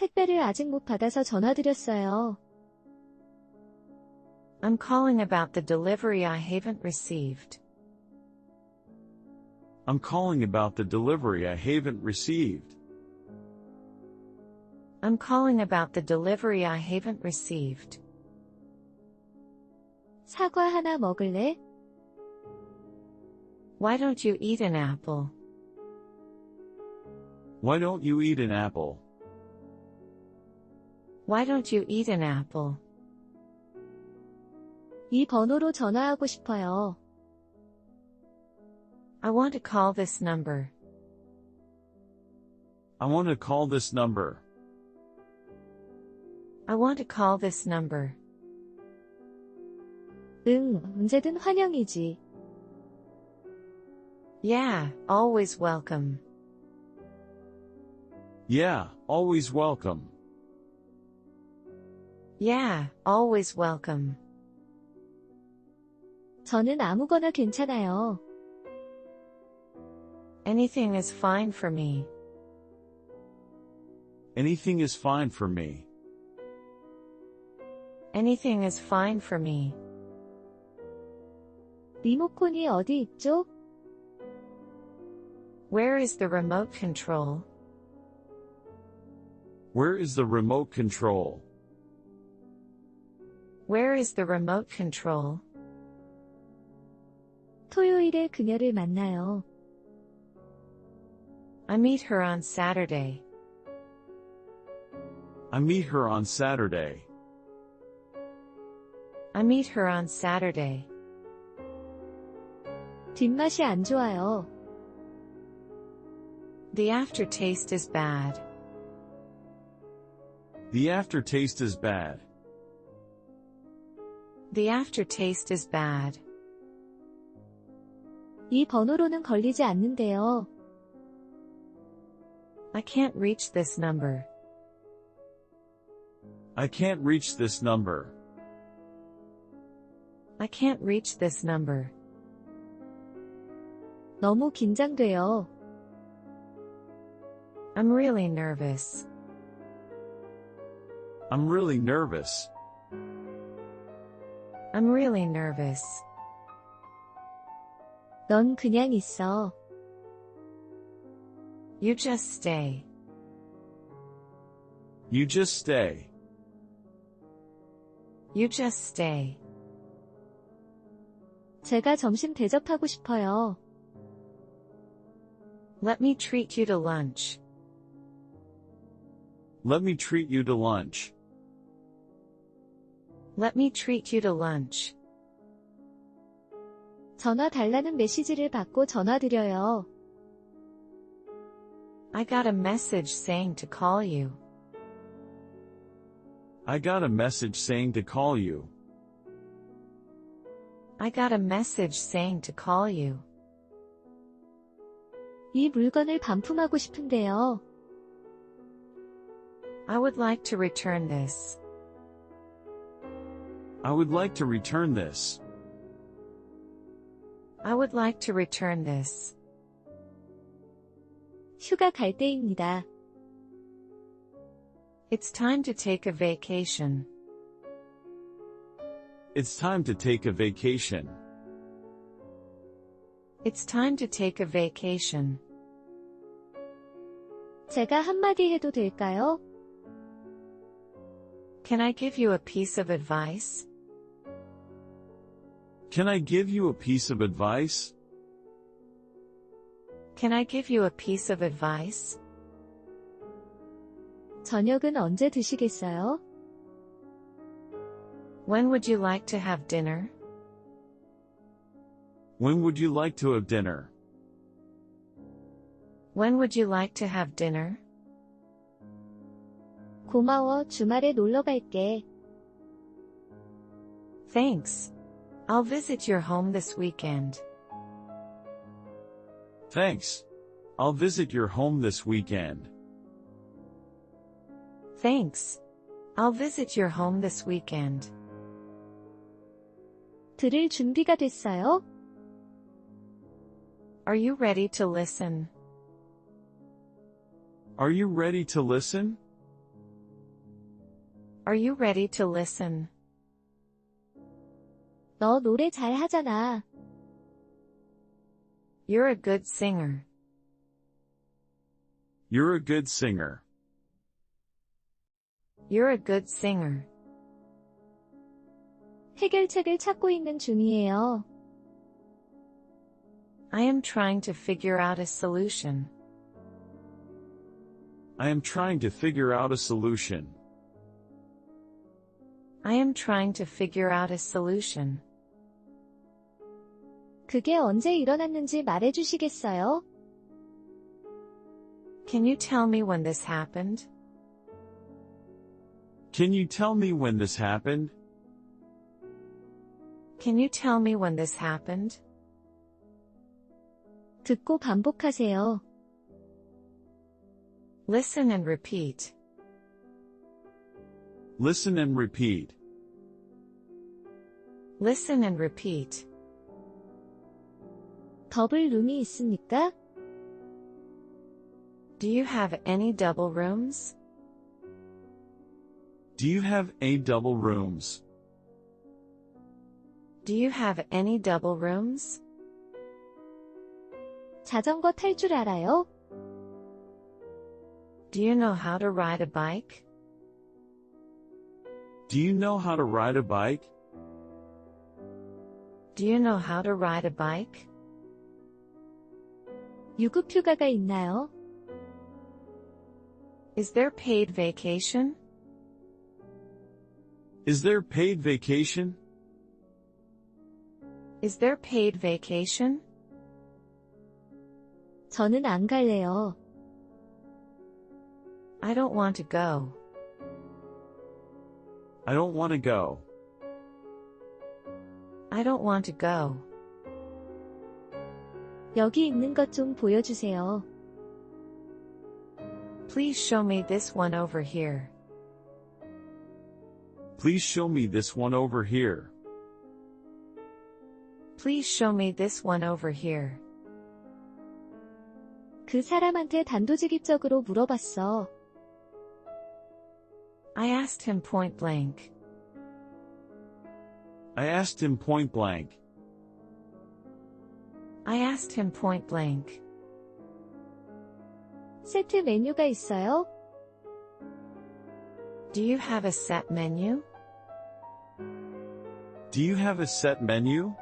택배를 아직 못 받아서 전화드렸어요. I'm calling about the delivery I haven't received. I'm calling about the delivery I haven't received. I'm calling about the delivery I haven't received. 사과 하나 먹을래? Why don't you eat an apple? Why don't you eat an apple? Why don't you eat an apple? 이 번호로 전화하고 싶어요. I want to call this number. I want to call this number. I want to call this number. 응, 언제든 환영이지. Yeah, always welcome. Yeah, always welcome. Yeah, always welcome. 저는 아무거나 괜찮아요. Anything is fine for me. Anything is fine for me. Anything is fine for me. 리모컨이 어디 있죠? Where is the remote control? Where is the remote control? Where is the remote control? 토요일에 그녀를 만나요. I meet her on Saturday. I meet her on Saturday. I meet her on Saturday. 뒷맛이 안 좋아요. The aftertaste is bad. The aftertaste is bad. The aftertaste is bad. 이 번호로는 걸리지 않는데요. I can't reach this number. I can't reach this number. I can't reach this number. 너무 긴장돼요. I'm really nervous. I'm really nervous. I'm really nervous. 넌 그냥 있어. You just stay. You just stay. You just stay. 제가 점심 대접하고 싶어요. Let me treat you to lunch. Let me treat you to lunch. Let me treat you to lunch. 전화 달라는 메시지를 받고 전화드려요. I got a message saying to call you. I got a message saying to call you. I got a message saying to call you. 이 물건을 반품하고 싶은데요. I would like to return this. I would like to return this. I would like to return this. 휴가 갈 때입니다. It's time to take a vacation. It's time to take a vacation. It's time to take a vacation. 제가 한마디 해도 될까요? Can I give you a piece of advice? Can I give you a piece of advice? Can I give you a piece of advice? 저녁은 언제 드시겠어요? When would you like to have dinner? When would you like to have dinner? When would you like to have dinner? 고마워, 주말에 놀러 갈게. Thanks. I'll visit your home this weekend. Thanks. I'll visit your home this weekend. Thanks. I'll visit your home this weekend. 들을 준비가 됐어요? Are you ready to listen? Are you ready to listen? Are you ready to listen? 너 노래 잘 하잖아. You're a good singer. You're a good singer. You're a good singer. 해결책을 찾고 있는 중이에요. I am trying to figure out a solution. I am trying to figure out a solution. I am trying to figure out a solution. 그게 언제 일어났는지 말해주시겠어요? Can you tell me when this happened? Can you tell me when this happened? Can you tell me when this happened? 듣고 반복하세요. Listen and repeat. Listen and repeat. Listen and repeat. 더블 룸이 있습니까? Do you have any double rooms? Do you have any double rooms? Do you have any double rooms? 자전거 탈 줄 알아요? Do you know how to ride a bike? Do you know how to ride a bike? Do you know how to ride a bike? 유급 휴가가 있나요? Is there paid vacation? Is there paid vacation? Is there paid vacation? 저는 안 갈래요. I don't want to go. I don't want to go. I don't want to go. 여기 있는 것 좀 보여주세요. Please show me this one over here. Please show me this one over here. Please show me this one over here. 그 사람한테 단도직입적으로 물어봤어. I asked him point blank. I asked him point blank. I asked him point blank. 세트 메뉴가 있어요? Do you have a set menu? Do you have a set menu?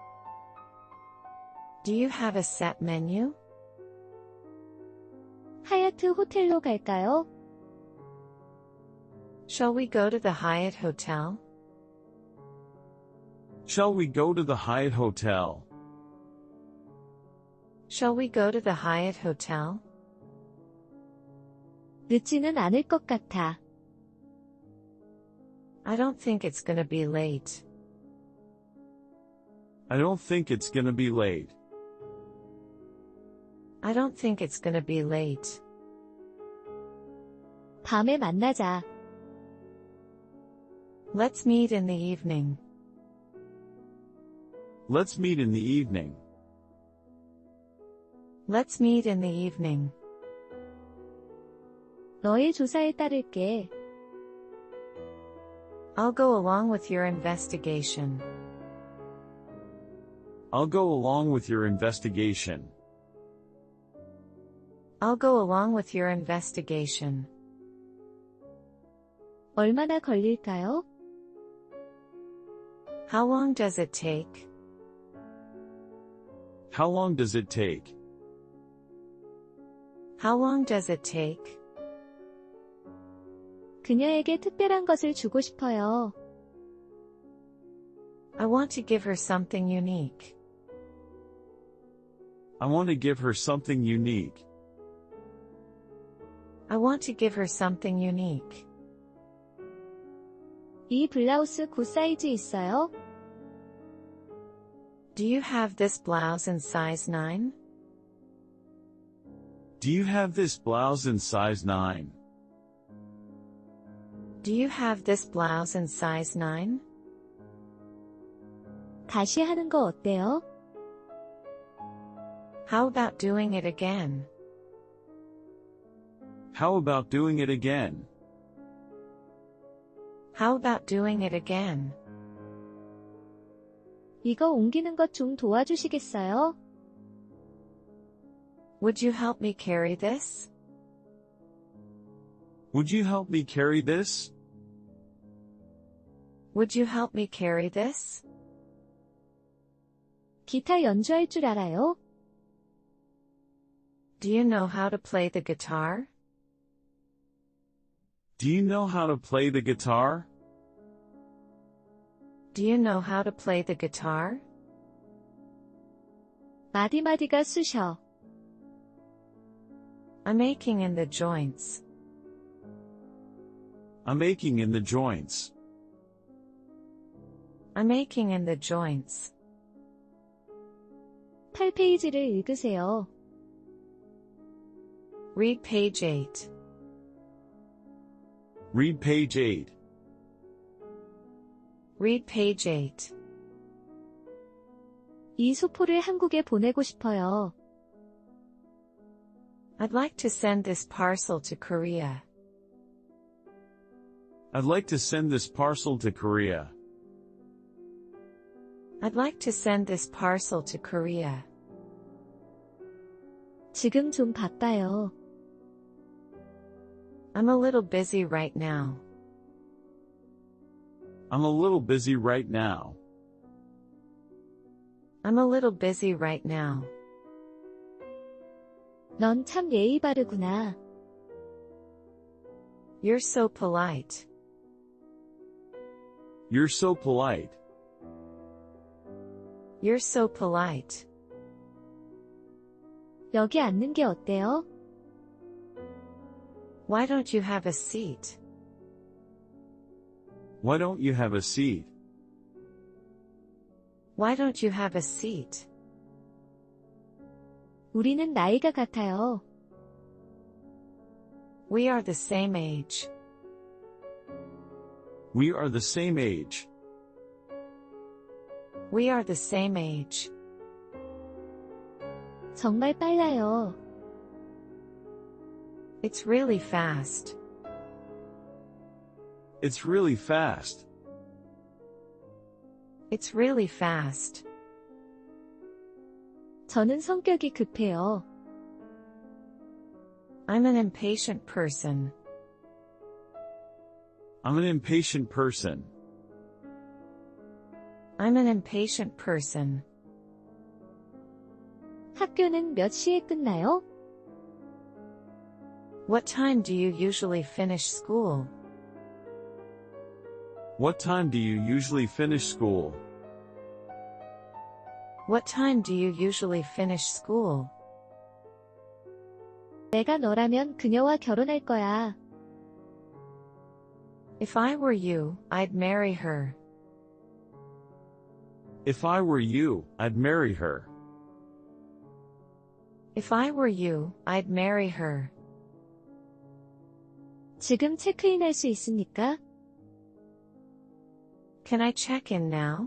Do you have a set menu? 하얏트 호텔로 갈까요? Shall we go to the Hyatt Hotel? Shall we go to the Hyatt Hotel? Shall we go to the Hyatt Hotel? 늦지는 않을 것 같아. I don't think it's gonna be late. I don't think it's gonna be late. I don't think it's gonna be late. 밤에 만나자. Let's meet in the evening. Let's meet in the evening. Let's meet in the evening. 너의 조사에 따를게. I'll go along with your investigation. I'll go along with your investigation. I'll go along with your investigation. 얼마나 걸릴까요? How long does it take? How long does it take? How long does it take? 그녀에게 특별한 것을 주고 싶어요. I want to give her something unique. I want to give her something unique. I want to give her something unique. 이 블라우스 굿 사이즈 있어요? Do you have this blouse in size 9? Do you have this blouse in size 9? Do you have this blouse in size 9? 다시 하는 거 어때요? How about doing it again? How about doing it again? How about doing it again? 이거 옮기는 것 좀 도와주시겠어요? Would you help me carry this? Would you help me carry this? Would you help me carry this? 기타 연주할 줄 알아요? Do you know how to play the guitar? Do you know how to play the guitar? Do you know how to play the guitar? 마디마디가 쑤셔. I'm aching in the joints. I'm aching in the joints. I'm aching in the joints. 8페이지를 읽으세요. Read page 8. Read page 8. Read page 8. 이 소포를 한국에 보내고 싶어요. I'd like to send this parcel to Korea. I'd like to send this parcel to Korea. I'd like to send this parcel to Korea. 지금 좀 바빠요. I'm a little busy right now. I'm a little busy right now. I'm a little busy right now. 넌 참 예의 바르구나. You're so polite. You're so polite. You're so polite. 여기 앉는 게 어때요? Why don't you have a seat? Why don't you have a seat? Why don't you have a seat? 우리는 나이가 같아요. We are the same age. We are the same age. We are the same age. 정말 빨라요. It's really fast. It's really fast. It's really fast. 저는 성격이 급해요. I'm an impatient person. I'm an impatient person. I'm an impatient person. 학교는 몇 시에 끝나요? What time do you usually finish school? What time do you usually finish school? What time do you usually finish school? 내가 너라면 그녀와 결혼할 거야. If I were you, I'd marry her. If I were you, I'd marry her. If I were you, I'd marry her. 지금 체크인할 수 있습니까? Can I check in now?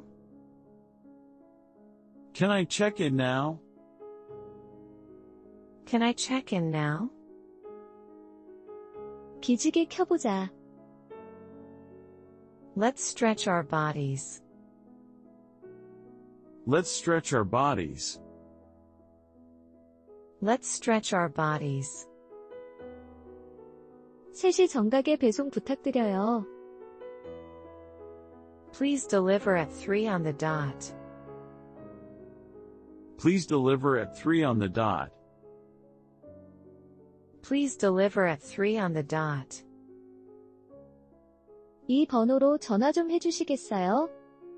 Can I check in now? Can I check in now? 기지개 켜보자. Let's stretch our bodies. Let's stretch our bodies. Let's stretch our bodies. 3시 정각에 배송 부탁드려요. Please deliver at 3 on the dot. Please deliver at 3 on the dot. Please deliver at 3 on the dot. 이 번호로 전화 좀 해주시겠어요?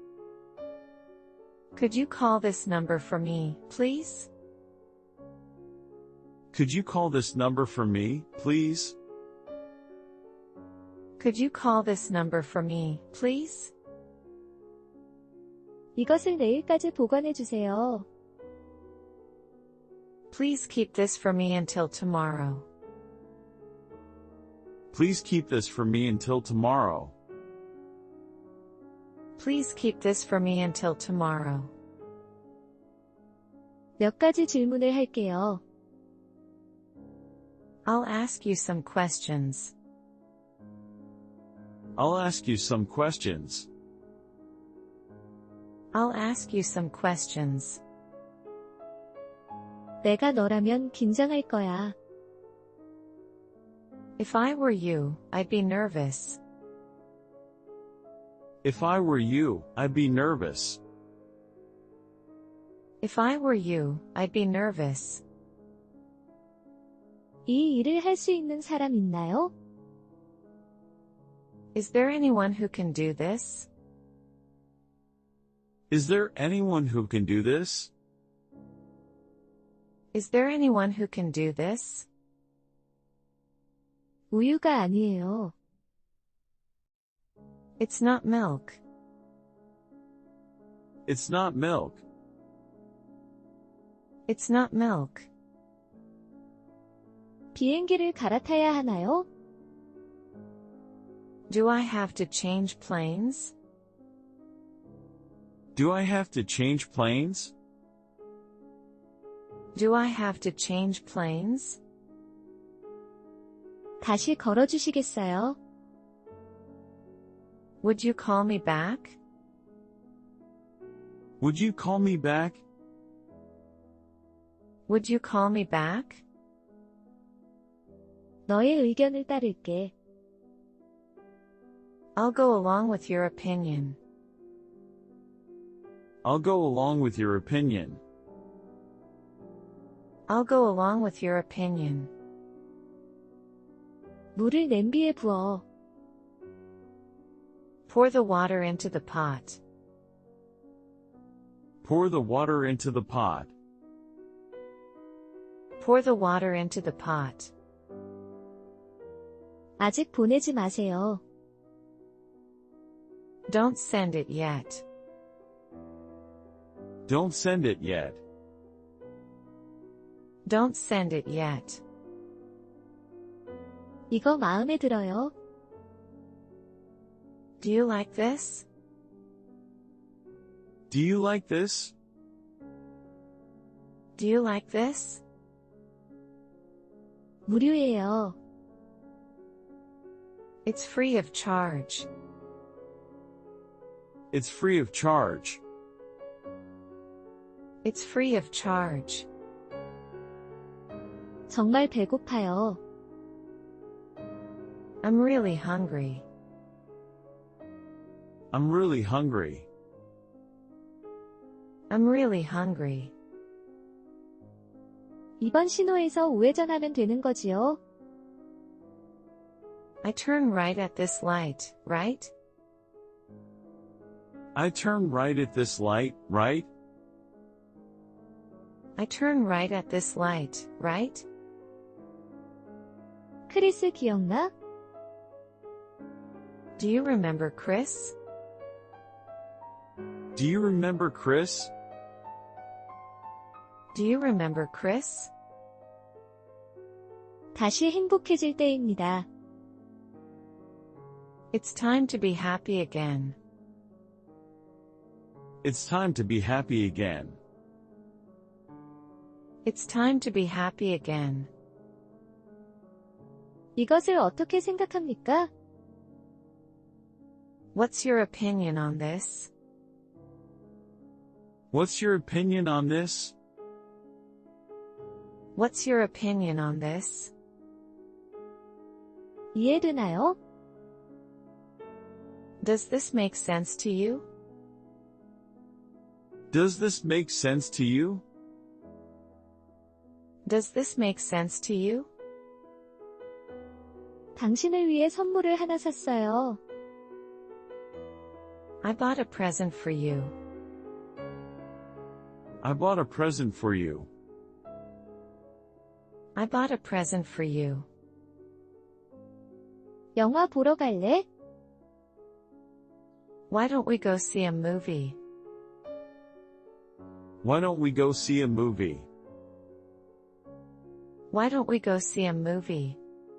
Could you call this number for me, please? Could you call this number for me, please? Could you call this number for me, please? 이것을 내일까지 보관해 주세요. Please keep this for me until tomorrow. Please keep this for me until tomorrow. Please keep this for me until tomorrow. 몇 가지 질문을 할게요. I'll ask you some questions. I'll ask you some questions. I'll ask you some questions. 내가 너라면 긴장할 거야. If I were you, I'd be nervous. If I were you, I'd be nervous. If I were you, I'd be nervous. 이 일을 할 수 있는 사람 있나요? Is there anyone who can do this? Is there anyone who can do this? Is there anyone who can do this? 우유가 아니에요. It's not milk. It's not milk. It's not milk. 비행기를 갈아타야 하나요? Do I have to change planes? Do I have to change planes? Do I have to change planes? 다시 걸어주시겠어요? Would you call me back? Would you call me back? Would you call me back? 너의 의견을 따를게. I'll go along with your opinion. I'll go along with your opinion. I'll go along with your opinion. 물을 냄비에 부어. Pour the water into the pot. Pour the water into the pot. Pour the water into the pot. 아직 보내지 마세요. Don't send it yet. Don't send it yet. Don't send it yet. 이거 마음에 들어요. Do you like this? Do you like this? Do you like this? 무료예요. It's free of charge. It's free of charge. It's free of charge. 정말 배고파요. I'm really hungry. I'm really hungry. I'm really hungry. 이번 신호에서 우회전하면 되는 거지요? I turn right at this light, right? I turn right at this light, right? I turn right at this light, right? 크리스 기억나? Do you remember Chris? Do you remember Chris? Do you remember Chris? 다시 행복해질 때입니다. It's time to be happy again. It's time to be happy again. It's time to be happy again. 이것을 어떻게 생각합니까? What's your opinion on this? What's your opinion on this? What's your opinion on this? 이해되나요? Does this make sense to you? Does this make sense to you? Does this make sense to you? 당신을 위해 선물을 하나 샀어요. I bought a present for you. I bought a present for you. I bought a present for you. 영화 보러 갈래? Why don't we go see a movie? Why don't we go see a movie? Why don't we go see a movie?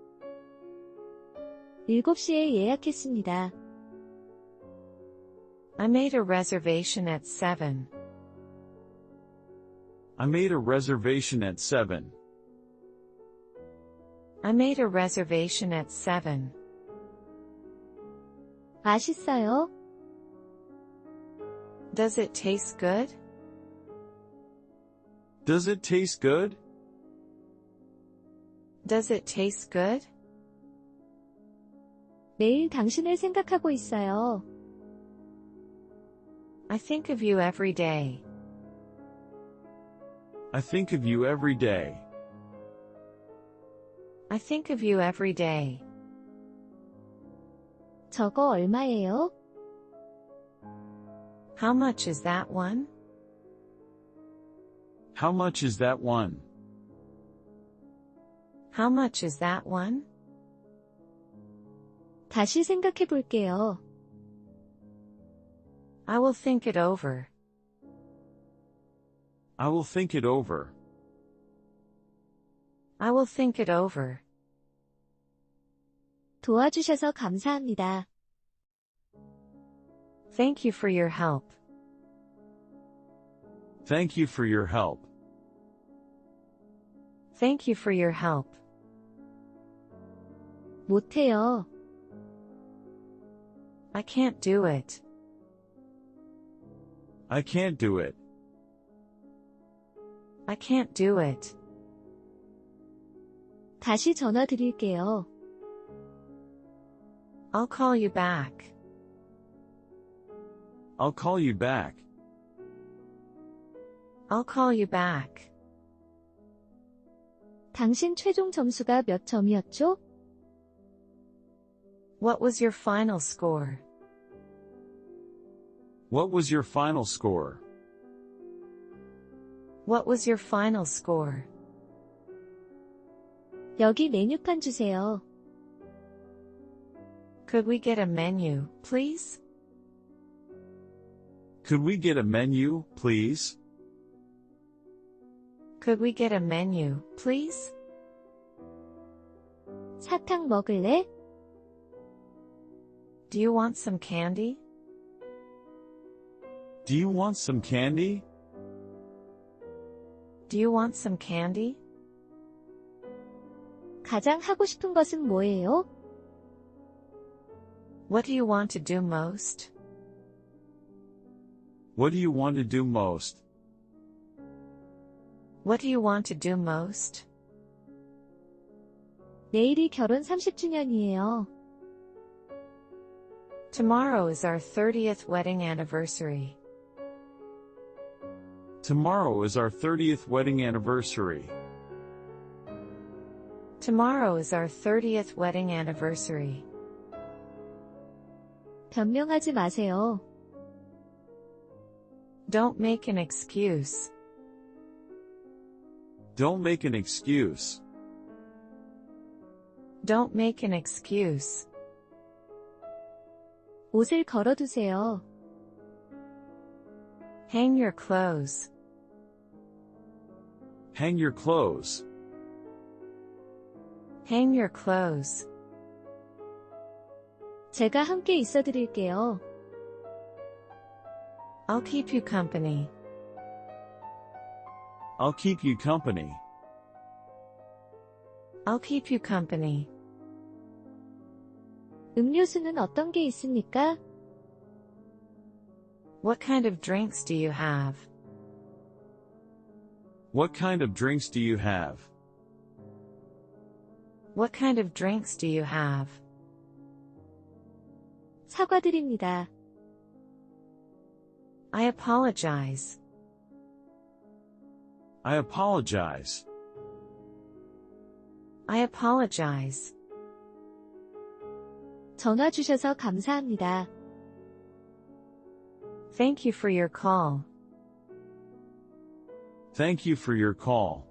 7시에 예약했습니다. I made a reservation at 7. I made a reservation at 7. I made a reservation at 7. 맛있어요? Does it taste good? Does it taste good? Does it taste good? 매일 당신을 생각하고 있어요. I think of you every day. I think of you every day. I think of you every day. 저거 얼마예요? How much is that one? How much is that one? How much is that one? 다시 생각해 볼게요. I will think it over. I will think it over. I will think it over. 도와주셔서 감사합니다. Thank you for your help. Thank you for your help. Thank you for your help. 못해요. I can't do it. I can't do it. I can't do it. 다시 전화 드릴게요. I'll call you back. I'll call you back. I'll call you back. 당신 최종 점수가 몇 점이었죠? What was your final score? What was your final score? What was your final score? 여기 메뉴판 주세요. Could we get a menu, please? Could we get a menu, please? Could we get a menu, please? 사탕 먹을래? Do you want some candy? Do you want some candy? Do you want some candy? 가장 하고 싶은 것은 뭐예요? What do you want to do most? What do you want to do most? What do you want to do most? 내일이 결혼 30주년이에요. Tomorrow is our 30th wedding anniversary. Tomorrow is our 30th wedding anniversary. Tomorrow is our 30th wedding anniversary. 변명하지 마세요. Don't make an excuse. Don't make an excuse. Don't make an excuse. 옷을 걸어두세요. Hang your clothes. Hang your clothes. Hang your clothes. 제가 함께 있어 드릴게요. I'll keep you company. I'll keep you company. I'll keep you company. 음료수는 어떤 게 있습니까? What kind of drinks do you have? What kind of drinks do you have? What kind of drinks do you have? 사과드립니다. I apologize. I apologize. I apologize. 전화 주셔서 감사합니다. Thank you for your call. Thank you for your call.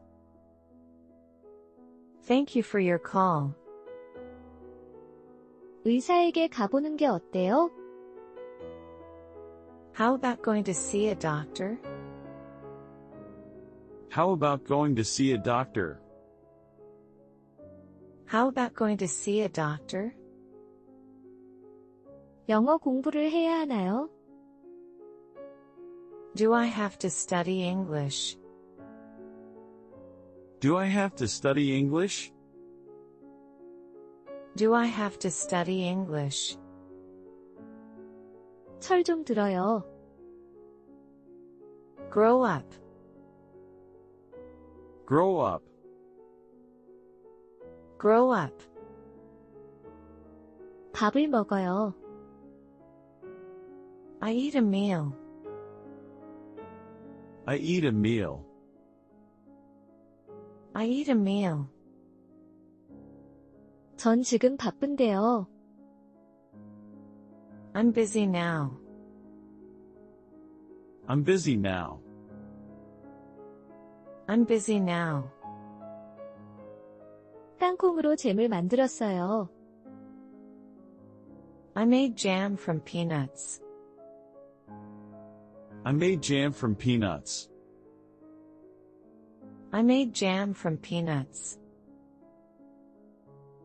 Thank you for your call. 의사에게 가보는 게 어때요? How about going to see a doctor? How about going to see a doctor? How about going to see a doctor? 영어 공부를 해야 하나요? Do I have to study English? Do I have to study English? Do I have to study English? 철 좀 들어요. Grow up. Grow up. Grow up. 밥을 먹어요. I eat a meal. I eat a meal. I eat a meal. 전 지금 바쁜데요. I'm busy now. I'm busy now. I'm busy now. 땅콩으로 잼을 만들었어요. I made jam from peanuts. I made jam from peanuts. I made jam from peanuts.